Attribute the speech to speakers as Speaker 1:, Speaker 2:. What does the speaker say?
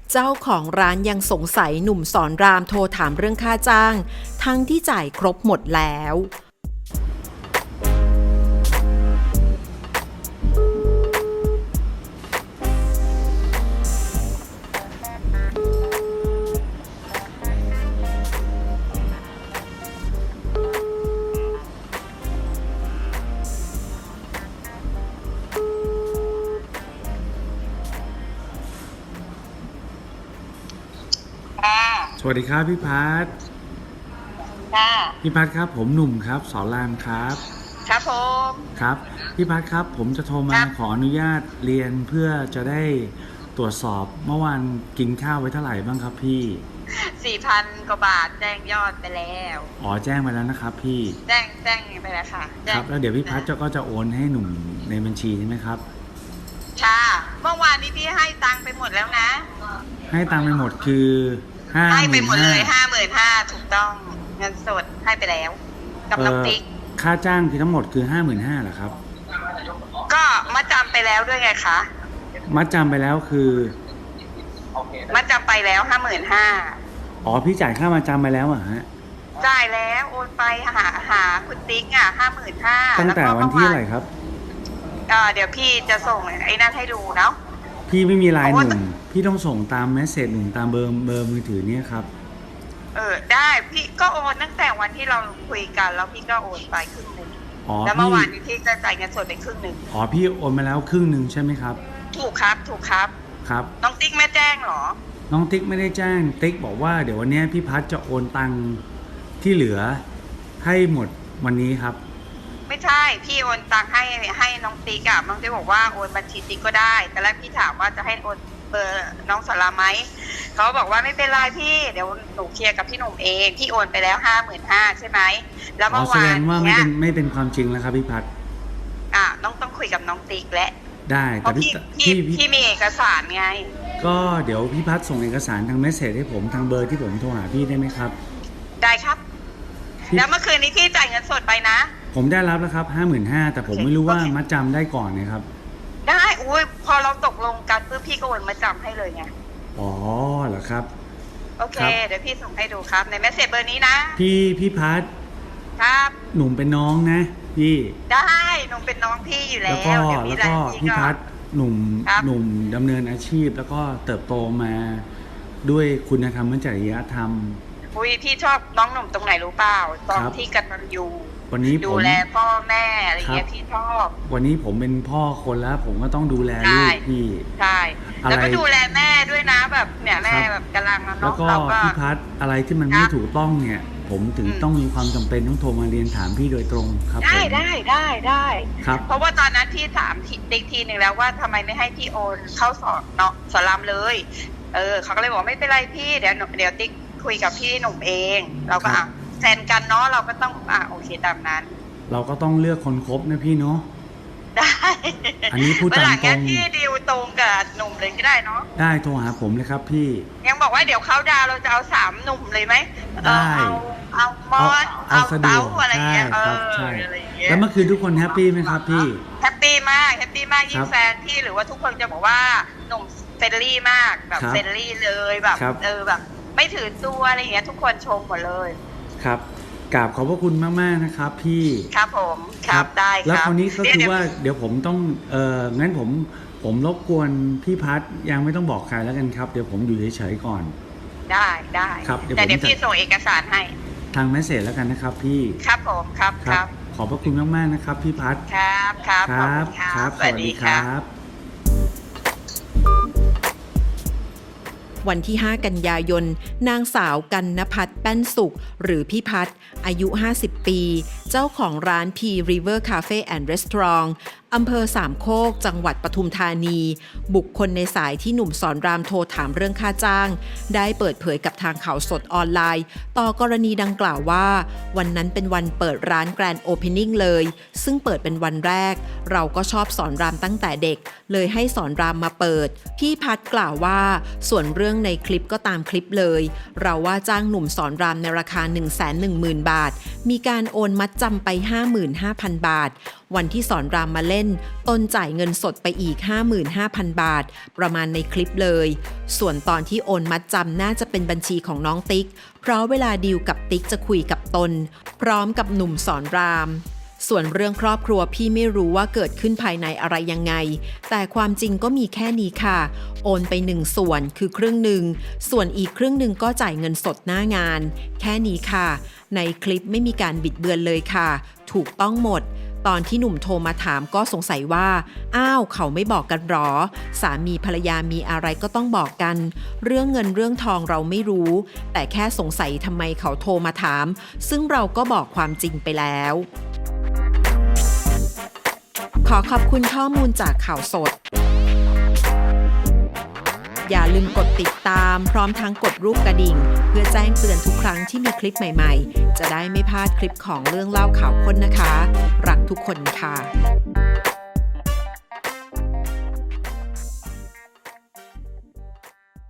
Speaker 1: เจ้าของร้านยังสงสัยหนุ่มสอนรามโทรถามเรื่องค่าจ้างทั้งที่จ่ายครบหมดแล้ว
Speaker 2: สวัสดีครับพี่พัฒน์
Speaker 3: ค่ะ
Speaker 2: พี่พัฒน์ครับผมหนุ่มครับสอนรามครับ
Speaker 3: ครับผม
Speaker 2: ครับพี่พัฒน์ครับผมจะโทรมาขออนุญาตเรียนเพื่อจะได้ตรวจสอบเมื่อวานกินข้าวไว้เท่าไหร่บ้างครับพี่
Speaker 3: 4,000 กว่าบาทแจ้งยอดไปแล้ว
Speaker 2: แจ้งไปแล้วนะครับพี่
Speaker 3: แจ้งไปแล้วค่ะ
Speaker 2: ครับแล้วเดี๋ยวพี่พัฒน์ก็จะโอนให้หนุ่มในบัญชีใช่ไหมครับ
Speaker 3: ค่ะเมื่อวานนี้พี่ให้ตังค์ไปหมดแล้วนะ
Speaker 2: ให้ตังค์ไปหมดคือ
Speaker 3: ให้ไปหมดเลย55,000ถูกต้องเงินสดให้ไปแล้วกับน้องติ๊ก
Speaker 2: ค่าจ้างคือทั้งหมดคือ55,000เหรอครับ
Speaker 3: ก็มาจำไปแล้วด้วยไงคะ
Speaker 2: มัดจำไปแล้วคือ
Speaker 3: มาจำไปแล้ว55,000
Speaker 2: พี่จ่ายค่ามาจำไปแล้วฮะ
Speaker 3: จ่ายแล้วโอนไปหาคุณติ๊ก55,000
Speaker 2: ตั้งแต่วันที่อะไรครับ
Speaker 3: เดี๋ยวพี่จะส่งไอ้นั่นให้ดูเนาะ
Speaker 2: พี่ไม่มีไลน์หนุ่มพี่ต้องส่งตามเมสเสจหนุ่มตามเบอร์มือถือเนี่ยครับ
Speaker 3: ได้พี่ก็โอนตั้งแต่วันที่เราคุยกันแล้วพี่ก็โอนไปครึ่งนึงแล้วเมื่อวานนี้พี่จะจ่ายเงินสดไปครึ่งนึง
Speaker 2: พี่โอนมาแล้วครึ่งนึงใช่ไหมครับ
Speaker 3: ถูกครับ
Speaker 2: ครับ
Speaker 3: น้องติ๊กไม่แจ้งหรอ
Speaker 2: น้องติ๊กไม่ได้แจ้งติ๊กบอกว่าเดี๋ยววันนี้พี่พัฒน์จะโอนตังค์ที่เหลือให้หมดวันนี้ครับ
Speaker 3: ไม่ใช่พี่โอนตังค์ให้น้องติ๊กน้องติ๊กบอกว่าโอนบัญชีติ๊กก็ได้แต่แรกพี่ถามว่าจะให้โอนเบอร์น้องสาราไหมเขาบอกว่าไม่เป็นไรพี่เดี๋ยวหนูเคลียร์กับพี่หนุ่มเองพี่โอนไปแล้ว55,000ใช่ไหมแล้วเมื่อวาน
Speaker 2: แสดงว่าไม่เป็นความจริงแล้วครับพี่พัฒน์
Speaker 3: น้องต้องคุยกับน้องติ๊กและ
Speaker 2: ได้แต่
Speaker 3: พี่มีเอกสารไง
Speaker 2: ก็เดี๋ยวพี่พัฒน์ส่งเอกสารทางเมสเสจให้ผมทางเบอร์ที่ผมโทรหาพี่ได้ไหมครับ
Speaker 3: ได้ครับแล้วเมื่อคืนนี้พี่จ่ายเงินสดไปนะ
Speaker 2: ผมได้รับแล้วครับ55,000แต่ผมไม่รู้ว่ามัดจำได้ก่อนนะครับ
Speaker 3: ได้พอเราตกลงกันปุ๊บพี่ก็โอนมาจำให้เลยไง
Speaker 2: เหรอครับ
Speaker 3: โอเคเดี๋ยวพี่ส่งให้ดูครับในเมสเสจเบอร์นี้นะ
Speaker 2: พี่พัฒน์
Speaker 3: ครับ
Speaker 2: หนุ่มเป็นน้องนะพี่
Speaker 3: ได้หนุ่มเป็นน้องพี่อยู่แล้ว
Speaker 2: แล้วก็พี่พัฒน์หนุ่มดำเนินอาชีพแล้วก็เติบโตมาด้วยคุณธรรมและจริยธรรม
Speaker 3: พี่ชอบน้องหนุ่มตรงไหนรู้เปล่าตอนที่กตัญญู
Speaker 2: วันนี้
Speaker 3: ดูแลพ่อแม่อะไรเงี้ยพี่ชอบ
Speaker 2: วันนี้ผมเป็นพ่อคนแล้วผมก็ต้องดูแลลูกพี่
Speaker 3: ใช่แล้วก็ดูแลแม่ด้วยนะแบบเนี่ยแม่แบบกำลังน้อง
Speaker 2: แล้วก็พี่พัฒน์อะไรที่มันไม่ถูกต้องเนี่ยผมถึงต้องมีความจำเป็นต้องโทรมาเรียนถามพี่โดยตรงครับ
Speaker 3: ได้
Speaker 2: ครับ
Speaker 3: เพราะว่าตอนนั้นพี่ถามติ๊กทีนึงแล้วว่าทำไมไม่ให้พี่โอนเข้าสอนรามเลยเขาก็เลยบอกไม่เป็นไรพี่เดี๋ยวติ๊กคุยกับพี่หนุ่มเองเราก็แฟนกันเนาะเราก็ต้องโอเคตามนั้น
Speaker 2: เราก็ต้องเลือกคนคบนะพี่เนาะ
Speaker 3: ได้
Speaker 2: อันนี้พูดตามตรง
Speaker 3: พี่ดีลตรงกับหนุ่มเลยก็ได้เนาะ
Speaker 2: ได้โทรหาผมเลยครับพี่
Speaker 3: ยังบอกว่าเดี๋ยวเขาดาวเราจะเอา3หนุ่มเลยไหม
Speaker 2: ได้
Speaker 3: เอามอสเอาเต๋าอะไรเงี้ย
Speaker 2: ใช่แล้วเมื่อคืนทุกคนแฮปปี้ไหมครับพี่
Speaker 3: แฮปปี้มากยิ่งแฟนพี่หรือว่าทุกคนจะบอกว่าหนุ่มเฟรนลี่มากแบบเฟรนลี่เลยแบบแบบไม่ถือตัวอะไรอย่างเงี้ยทุกคนชมหมดเลย
Speaker 2: ครับกราบขอบพระคุณมากๆนะครับพี่
Speaker 3: ครับผมครับได้ครับ
Speaker 2: แล้วคราวนี้ก็คือว่าเดี๋ยวผมต้องงั้นผมรบกวนพี่พัฒน์ยังไม่ต้องบอกใครแล้วกันครับเดี๋ยวผมอยู่เฉยๆก่อน
Speaker 3: ได้
Speaker 2: ครับ
Speaker 3: แต่เดี๋ยวพี่ส่งเอกสารให้
Speaker 2: ทางเมสเสจแล้วกันนะครับพี่
Speaker 3: ครับผมครับ
Speaker 2: ขอบพระคุณมากๆนะครับพี่พัฒน์
Speaker 3: ครับ
Speaker 2: สวัสดีครับ
Speaker 1: วันที่ 5 กันยายนนางสาวกันณภัทรแป้นสุขหรือพี่พัฒน์อายุ 50 ปี เจ้าของร้าน P River Cafe and Restaurant อำเภอสามโคกจังหวัดปทุมธานีบุคคลในสายที่หนุ่มสอนรามโทรถามเรื่องค่าจ้างได้เปิดเผยกับทางข่าวสดออนไลน์ต่อกรณีดังกล่าวว่าวันนั้นเป็นวันเปิดร้านแกรนด์โอเพนนิ่งเลยซึ่งเปิดเป็นวันแรกเราก็ชอบสอนรามตั้งแต่เด็กเลยให้สอนรามมาเปิดพี่พัฒน์กล่าวว่าส่วนเรื่องรื่องในคลิปก็ตามคลิปเลย เราว่าจ้างหนุ่มสอนรามในราคา 110,000 บาท มีการโอนมัดจำไป 55,000 บาท วันที่สอนรามมาเล่นตนจ่ายเงินสดไปอีก 55,000 บาท ประมาณในคลิปเลย ส่วนตอนที่โอนมัดจำน่าจะเป็นบัญชีของน้องติ๊ก เพราะเวลาดีลกับติ๊กจะคุยกับตน พร้อมกับหนุ่มสอนรามส่วนเรื่องครอบครัวพี่ไม่รู้ว่าเกิดขึ้นภายในอะไรยังไงแต่ความจริงก็มีแค่นี้ค่ะโอนไป1ส่วนคือครึ่งหนึ่งส่วนอีกครึ่งหนึ่งก็จ่ายเงินสดหน้างานแค่นี้ค่ะในคลิปไม่มีการบิดเบือนเลยค่ะถูกต้องหมดตอนที่หนุ่มโทรมาถามก็สงสัยว่าอ้าวเขาไม่บอกกันหรอสามีภรรยามีอะไรก็ต้องบอกกันเรื่องเงินเรื่องทองเราไม่รู้แต่แค่สงสัยทำไมเขาโทรมาถามซึ่งเราก็บอกความจริงไปแล้วขอขอบคุณข้อมูลจากข่าวสดอย่าลืมกดติดตามพร้อมทั้งกดรูปกระดิ่งเพื่อแจ้งเตือนทุกครั้งที่มีคลิปใหม่ๆจะได้ไม่พลาดคลิปของเรื่องเล่าข่าวค้นนะคะรักทุกคนค่ะ